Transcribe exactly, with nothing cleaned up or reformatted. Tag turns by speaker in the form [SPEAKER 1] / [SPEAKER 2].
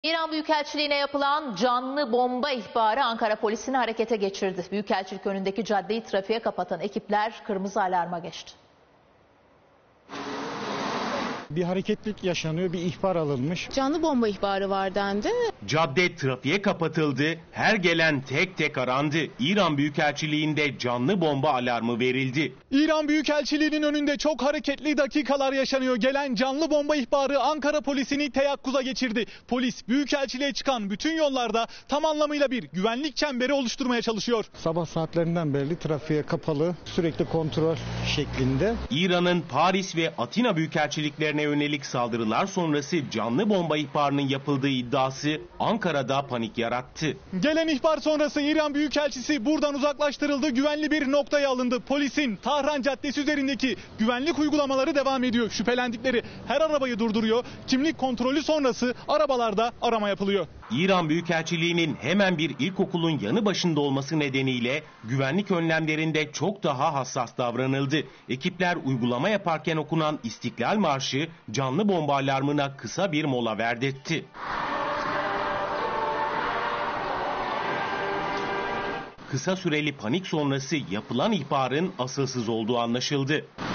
[SPEAKER 1] İran Büyükelçiliğine yapılan canlı bomba ihbarı Ankara polisini harekete geçirdi. Büyükelçilik önündeki caddeyi trafiğe kapatan ekipler kırmızı alarma geçti.
[SPEAKER 2] Bir hareketlilik yaşanıyor, bir ihbar alınmış.
[SPEAKER 3] Canlı bomba ihbarı var dendi.
[SPEAKER 4] Cadde trafiğe kapatıldı, her gelen tek tek arandı. İran Büyükelçiliğinde canlı bomba alarmı verildi.
[SPEAKER 5] İran Büyükelçiliğinin önünde çok hareketli dakikalar yaşanıyor. Gelen canlı bomba ihbarı Ankara polisini teyakkuza geçirdi. Polis Büyükelçiliğe çıkan bütün yollarda tam anlamıyla bir güvenlik çemberi oluşturmaya çalışıyor.
[SPEAKER 2] Sabah saatlerinden beri trafiğe kapalı, sürekli kontrol şeklinde.
[SPEAKER 4] İran'ın Paris ve Atina Büyükelçiliklerine yönelik saldırılar sonrası canlı bomba ihbarının yapıldığı iddiası Ankara'da panik yarattı.
[SPEAKER 5] Gelen ihbar sonrası İran Büyükelçisi buradan uzaklaştırıldı, güvenli bir noktaya alındı. Polisin Tahran Caddesi üzerindeki güvenlik uygulamaları devam ediyor. Şüphelendikleri her arabayı durduruyor. Kimlik kontrolü sonrası arabalarda arama yapılıyor.
[SPEAKER 4] İran Büyükelçiliğinin hemen bir ilkokulun yanı başında olması nedeniyle güvenlik önlemlerinde çok daha hassas davranıldı. Ekipler uygulama yaparken okunan İstiklal Marşı canlı bomba alarmına kısa bir mola verdirtti. Kısa süreli panik sonrası yapılan ihbarın asılsız olduğu anlaşıldı.